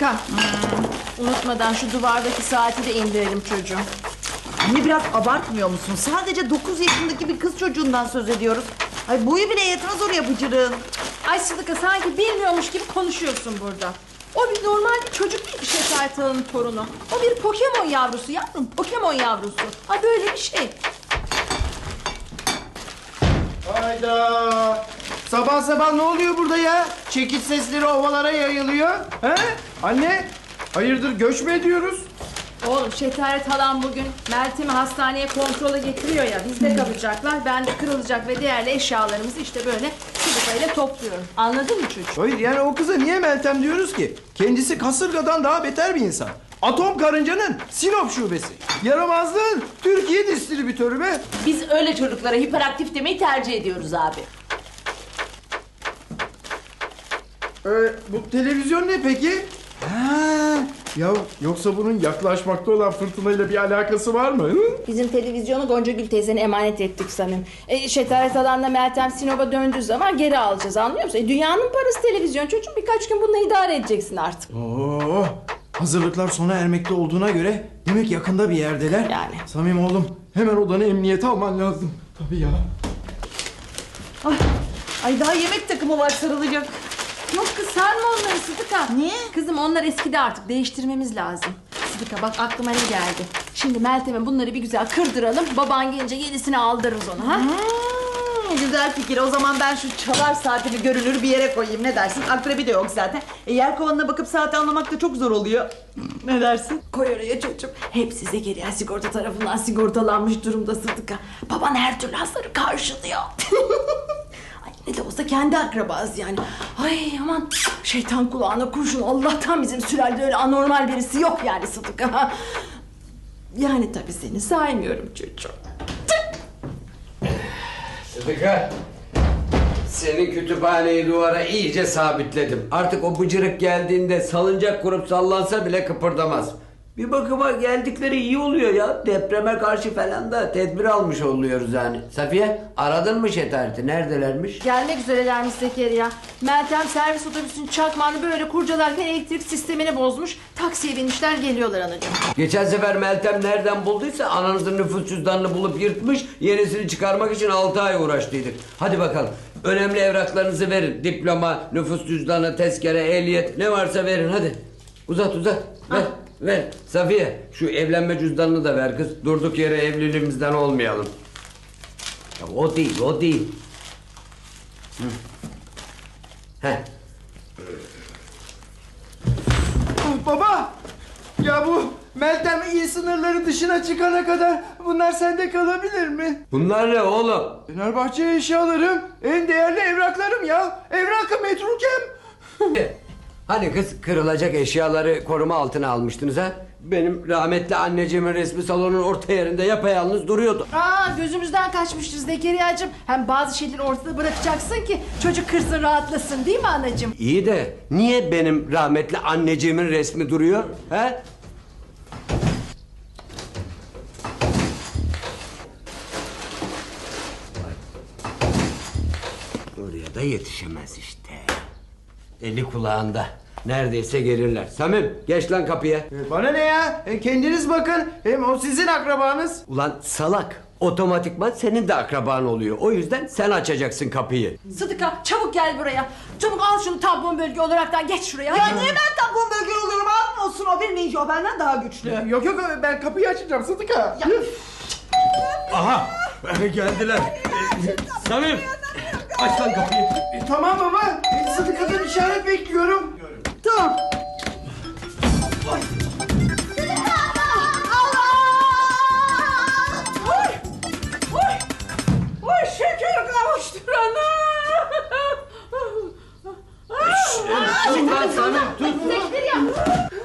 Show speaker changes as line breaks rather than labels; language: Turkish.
Sıdıka. Unutmadan şu duvardaki saati de indirelim çocuğum.
Anne biraz abartmıyor musun? Sadece 9 yaşındaki bir kız çocuğundan söz ediyoruz. Ay boyu bile yetmez oraya bıcırığın.
Ay Sıdıka sanki bilmiyormuş gibi konuşuyorsun burada. O bir normal bir çocuk değil ki Şeker Tala'nın torunu. O bir Pokemon yavrusu yavrum. Pokemon yavrusu. Ha böyle bir şey.
Hayda! Sabah sabah ne oluyor burada ya? Çekiç sesleri ovalara yayılıyor. He? Anne, hayırdır göç mü ediyoruz?
Oğlum Şetaret halam bugün Meltem'i hastaneye kontrola getiriyor ya. Bizde kalacaklar. Ben de kırılacak ve değerli eşyalarımızı işte böyle Sıdıka ile topluyorum. Anladın mı çocuğum?
Hayır yani o kıza niye Meltem diyoruz ki? Kendisi kasırgadan daha beter bir insan. Atom karıncanın Sinop şubesi. Yaramazlığın Türkiye distribütörü be.
Biz öyle çocuklara hiperaktif demeyi tercih ediyoruz abi.
Bu televizyon ne peki? Ha, ya yoksa bunun yaklaşmakta olan fırtınayla bir alakası var mı? Hı?
Bizim televizyonu Goncagül teyzene emanet ettik Samim. Şetaret halanla Meltem Sinop'a döndüğü zaman geri alacağız, anlıyor musun? Dünyanın parası televizyon çocuğum, birkaç gün bununla idare edeceksin artık.
Oo, hazırlıklar sona ermekte olduğuna göre demek yakında bir yerdeler.
Yani.
Samim oğlum hemen odanı emniyete alman lazım. Tabii ya.
Ay daha yemek takımı var sarılacak.
Yok kız sarma onları Sıdıka.
Niye?
Kızım onlar eskidi artık, değiştirmemiz lazım. Sıdıka bak aklıma ne geldi. Şimdi Meltem'e bunları bir güzel kırdıralım. Baban gelince yenisini aldırırız ona ha.
Güzel fikir. O zaman ben şu çalar saatimi görünür bir yere koyayım. Ne dersin? Akrebi de yok zaten. Yelkovanına bakıp saati anlamak da çok zor oluyor. Ne dersin?
Koy oraya çocuğum. Hepsi Zekeriya sigorta tarafından sigortalanmış durumda Sıdıka. Baban her türlü hasarı karşılıyor. Ay ne de olsa kendi akrabası yani. Ay aman şeytan kulağına kurşun. Allah'tan bizim sülalede öyle anormal birisi yok yani Sıdıka. Yani tabii seni saymıyorum çocuğum.
Sıdıka, senin kütüphaneyi duvara iyice sabitledim. Artık o bıcırık geldiğinde salıncak kurup sallansa bile kıpırdamaz. Bir bakıma geldikleri iyi oluyor ya. Depreme karşı falan da tedbir almış oluyoruz yani. Safiye, aradın mı Şetaret'i? Neredelermiş?
Gelmek üzerelermiş Zekeriya. Meltem servis otobüsünün çakmağını böyle kurcalarken elektrik sistemini bozmuş. Taksiye binmişler, geliyorlar anacığım.
Geçen sefer Meltem nereden bulduysa ananızın nüfus cüzdanını bulup yırtmış. Yenisini çıkarmak için 6 ay uğraştıydık. Hadi bakalım. Önemli evraklarınızı verin. Diploma, nüfus cüzdanı, tezkere, ehliyet ne varsa verin hadi. Uzat ver. Ver. Safiye şu evlenme cüzdanını da ver kız. Durduk yere evliliğimizden olmayalım. Ya o değil. Hı. Heh.
Baba! Ya bu Meltem iyi sınırları dışına çıkana kadar bunlar sende kalabilir mi?
Bunlar ne oğlum?
Fenerbahçe eşyalarım, en değerli evraklarım ya. Evrakı metrukem.
Hani kız kırılacak eşyaları koruma altına almıştınız ha? Benim rahmetli anneciğimin resmi salonun orta yerinde yapayalnız duruyordu.
Gözümüzden kaçmıştır Zekeriya'cığım. Hem bazı şeyleri ortada bırakacaksın ki çocuk kırsın, rahatlasın, değil mi anacığım?
İyi de niye benim rahmetli anneciğimin resmi duruyor? He? Oraya da yetişemez işte. Eli kulağında. Neredeyse gelirler. Samim geç lan kapıya.
Bana ne ya? Kendiniz bakın. Hem o sizin akrabanız.
Ulan salak. Otomatikman senin de akraban oluyor. O yüzden sen açacaksın kapıyı.
Sıdıka çabuk gel buraya. Çabuk al şunu tampon bölge olaraktan geç şuraya.
Ya
hadi.
niye ben tampon bölge oluyorum? Abim olsun o bir ninja. O benden daha güçlü.
Yok ben kapıyı açacağım Sıdıka.
Aha geldiler. Samim aç lan kapıyı.
Tamam baba. Sıdıka'dan işaret bekliyorum.
Tamam.
Oy şeker kavuştur ana.
Tut lan Samim tut.
Zekeriya.